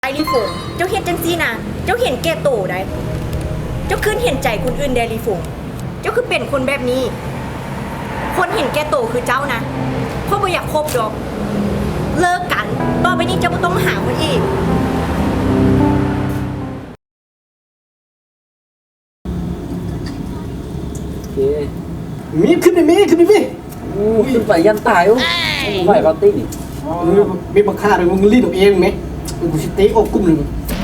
ไอรีฟงเจ้าเห็นจังซี่นะเจ้าเห็นแก่โตได้เจ้าขึ้นเห็นใจคนอื่นเดรีฟงเจ้าคือเป็นคนแบบนี้ คนเห็นแก่โตคือเจ้านะเพราะบ่อยากคบดอกเลิกกันต่อไปนี้เจ้าบ่ต้องหาคนอีกโอเคมีขึ้นดิมีขึ้นดิมีขึ้นไปยันตายโอ้ไหวปาร์ตี้มีบักฆ่าเลยมึงรีดออกเองไหมกูสิเตะอกกุ้มหนึ่ง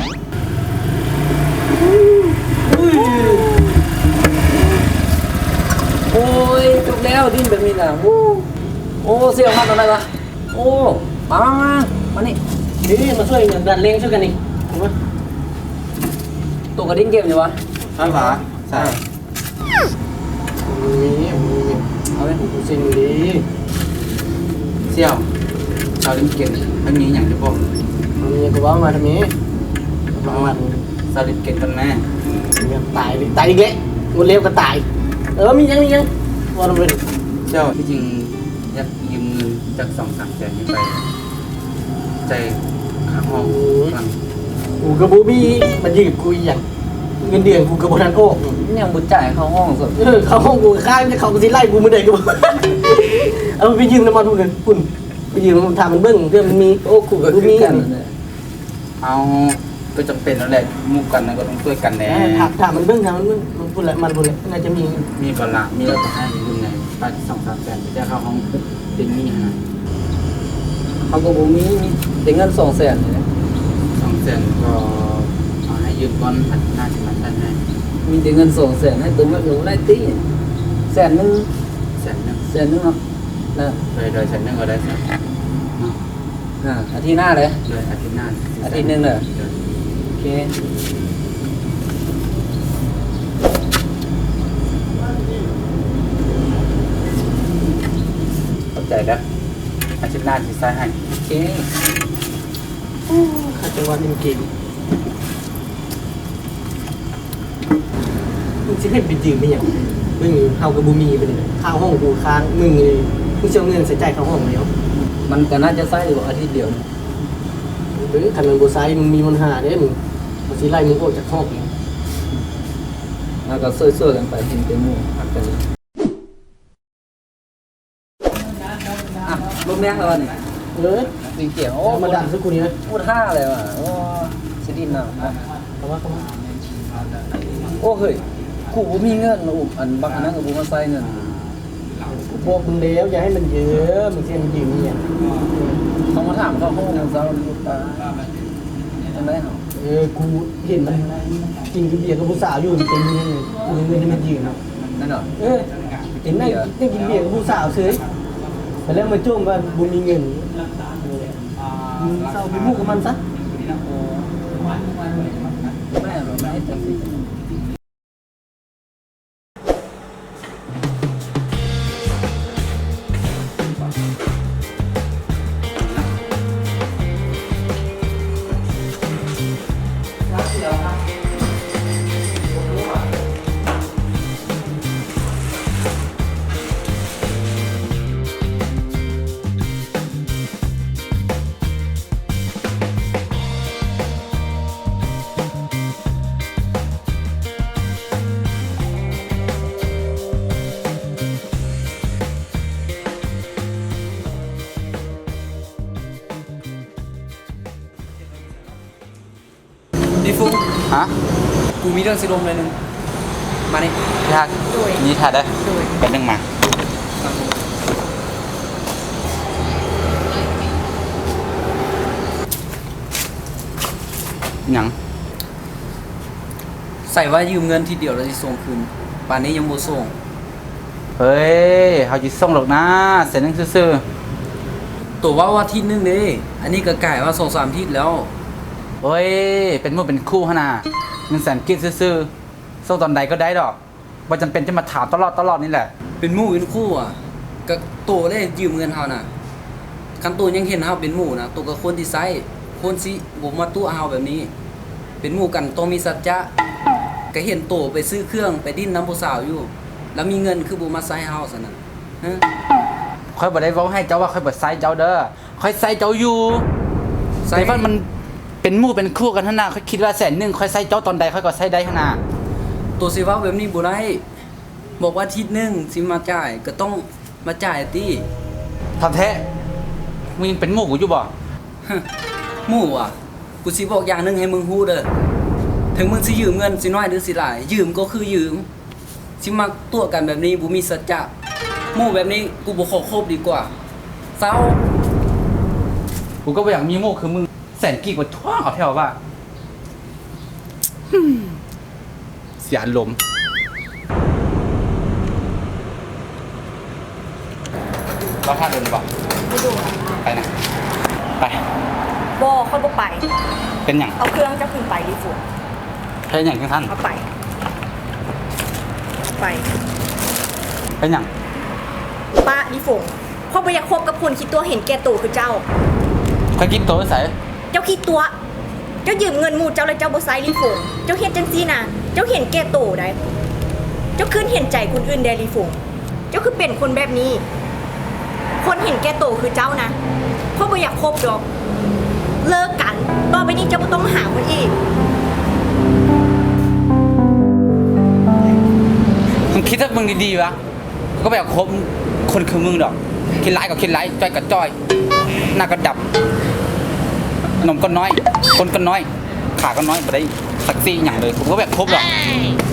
โอ้ยจบแล้วดิ้นแบบนี้นะโอ้เสี่ยวมากตอนไหนวะโอ้มานี่นี่มาช่วยดันเล้งช่วยกันนี่ถูกไหมตัวกระดิ้นเกมอยู่วะใช่ปะใช่มีเอาไปกูเซ็นดีเสี่ยวชาวลิมเกตมันมีอย่างที่บอกมีกูว่ามาทำไมมาชาวลิมเกตกันแม่ตายตายอีกแล้วมันเร็วก็ตายมียังว่าทำไมเสี่ยวที่จริงอยากยืมเงินจาก2-3แสนนี้ไปใจค่าห้องฟังกูกับบูบี้มันยืดกูอย่างเงินเดือนกูกับโบนันโอ้ยังบุญจ่ายเข้าห้องสุดเขาห้องกูข้างจะเขาสิไล่กูมือเด็กกูเอาไปยืมน้ำมันพวกนั้นคุณไปยืมมันทำมันเบิ้งเพื่อมันมีโอ้กูกับกูมีกันเอาก็จำเป็นแล้วแหละมู่กันนะก็ต้องช่วยกันแน่ถามมันเบิ้งถามมันเบิ้งมันพูดอะไรมันพูดอะไรน่าจะมีมีบาละมีแล้วก็ให้ยืมไงไป2-3แสนจะเข้าห้องเป็นหนี้ฮะเขาก็บอกมีแต่เงิน200,000เนี่ย 2แสนก็เอาให้ยืมก่อนอาทิตย์หน้าจะมาใช้ให้มีแต่เงิน200,000ให้ตัวมันหนูได้ตี100,000 แสนหนึ่งเนาะนะโดยแสนหนึ่งก็ได้ครับอาทิตย์หน้าเลยโดยอาทิตย์หน้าอาทิตย์หนึ่งเลย โอเคเข้าใจแล้วอาทิตย์หน้าจะใช้ให้โอเคข้าจังหวัดนิมเกมมึงจะให้ไปยืมไม่ยังมึงเฮากับบูมีไปเลยข้าวห้องกูค้างมึงเลยมึงจะเอาเงินใส่ใจข้าวห้องแล้วมันก็น่าจะใช้อยู่อาทิตย์เดียวหรือคันมันบูไซมึงมีปัญหาเด้มึงมันสิไล่มึงออกจากห้องเองแล้วก็ช่วยๆกันไปเห็นเป็นหมู่พักกันเลยอ่ะลมแรงแล้ววันนี้ สีเขียวโอ้มาดันสักกูนี้นะพูด5เลยว่ะโอ้สิดินน่ะคำว่าโอ้เฮ้ยกูบ่มีเงินนะอันบักอันนั้นก็บ่มาใส่เงินกูบอกมึงแล้วอย่าให้มันเยอะมึงเสียมันยืมเนี่ยเขามาถามเขาห้องเซาลูกตาจังได๋เฮากูเห็นมันกินกับเบียร์กับผู้สาวอยู่เต็มเลยกูเงินที่มันยืมนั่นเหรอเห็นนั่งกินเบียร์กับผู้สาวเฉยแต่แล้วมาจ้วงว่าบุญมีเงินมึงเศร้าไปมู่กับมันซะแม่เราไม่ให้จังซี่ดิฟุฮะกูมีเรื่องสิลมเลยนึงมานี่ยากนี่ถ่ายได้เป็นยังมาหยังใส่ว่ายืมเงินทีเดียวแล้วสิส่งคืนป่านนี้ยังบ่ส่งเฮ้ยเขาจะส่งหรอกนะเสร็จนึงซื่อตัวว่าอาทิตย์นึงเด้อันนี้ก็กลายว่า2-3อาทิตย์แล้วๆเฮ้ยเป็นมือเป็นคู่ขนาดเงินแสนกินซื่อๆส่งตอนใดก็ได้ดอกว่าจำเป็นจะมาถามตลอดนี่แหละเป็นหมู่เป็นคู่อ่ะก็โตได้ยืมเงินเฮาน่ะคันโตยังเห็นเฮาเป็นหมู่นะโตก็ควรที่ใช้ควรสิบ่มาตู้เฮาแบบนี้ เป็นหมู่กันต้องมีสัจจะก็เห็นโตไปซื้อเครื่องไปดิ้นน้ำผู้สาวอยู่ แล้วมีเงินคือบ่มาใช้เฮาซั่นน่ะฮะค่อยบ่ได้เว้าให้เจ้าว่าค่อยบ่ไซส์เจ้าเด้อค่อยไซส์เจ้าอยู่ใส่แต่ว่ามัน เเป็นหมู่เป็นคู่กันหั่นน่ะค่อยคิดว่า100,000ค่อยใส่เจ้าตอนใดค่อยก็ใส่ได้หั่นน่ะตัวสิเว้าแบบนี้บ่ได้บอกว่าอาทิตย์หนึงสิมาจ่ายก็ต้องมาจ่ายติทำแท้มึงยังเป็นหมู่กูอยู่บ่หมู่อ่ะกูสิบอกอย่างหนึงให้มึงฮู้เด้อถึงมึงสิยืมเงินสิน้อยหรือสิหลาย ยืมก็คือยืมสิมาตัวกันแบบนี้บ่มีสัจจะหมู่แบบนี้กูบ่ขอคบดีกว่าเศร้ากูก็บ่อยากมีหมู่คือมึงแสนกี่กว่าทั่วเอาแถวว่าเสียอารมณ์เราท่าเดินดีกว่าไปดูอะไปนะ ไปบ่ค่อยบ่ไปเป็นอย่างเอาเครื่องเจ้าขึ้นไปรีฝงใช่อย่างที่ท่านเอาไปเอาไปเป็นอย่างป้ารีฝงพ่อบ่อยากคบกับคนคิดตัวเห็นแก่ตัวคือเจ้าใครคิดตัวใส่เจ้าคิดตัว เจ้ายืมเงินหมู่เจ้าแล้วเจ้าบ่ใช้รีฝงเจ้าเฮ็ดจังซี่น่ะ เจ้าเห็นแก่ตัวได้ เจ้าคืนเห็นใจคนอื่นได้รีฝงเจ้าคือเป็นคนแบบนี้ คนเห็นแก่ตัวคือเจ้านะพ่อบ่อยากคบดอก เลิกกัน ต่อไปนี้เจ้าบ่ต้องหาคนอีกมึงคิดว่ามึงดีๆวะกูก็แบบคบคนคือมึงดอก คิดร้ายก็คิดร้ายจ้อยก็จ้อย หน้าก็ดับ นมก็น้อย คนก็น้อย ขาก็น้อยบ่ได้สักซี่อย่างเลยกูก็แบบคบดอก